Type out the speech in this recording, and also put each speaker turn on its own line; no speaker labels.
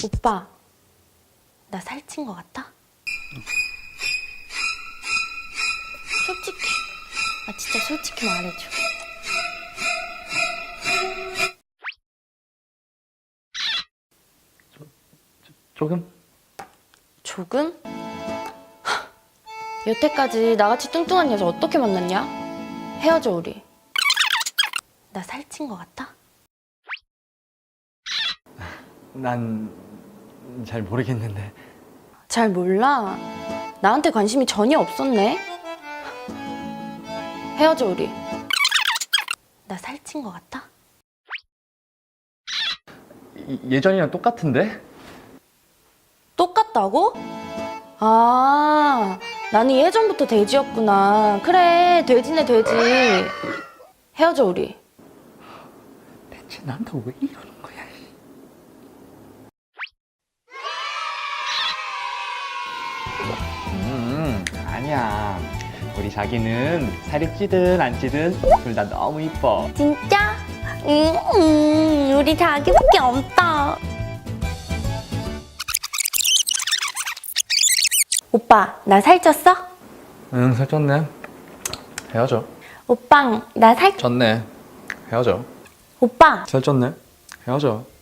오빠, 나 살찐 것 같아? 솔직히, 진짜 솔직히 말해줘.
조금?
조금? 여태까지 나같이 뚱뚱한 여자 어떻게 만났냐? 헤어져 우리. 나 살찐 것 같아?
난 잘 모르겠는데.
잘 몰라. 나한테 관심이 전혀 없었네. 헤어져 우리. 나 살찐 것 같아?
예전이랑 똑같은데?
똑같다고? 나는 예전부터 돼지였구나. 그래, 돼지네 돼지. 헤어져 우리.
대체 나한테 왜 이러는 거야? 아니야. 우리 자기는 살이 찌든 안 찌든 둘 다 너무 이뻐.
진짜? 우리 자기밖에 없다. 오빠, 나 살쪘어?
응, 살쪘네. 헤어져.
오빵, 나
쪘네. 헤어져.
오빠,
살쪘네. 헤어져.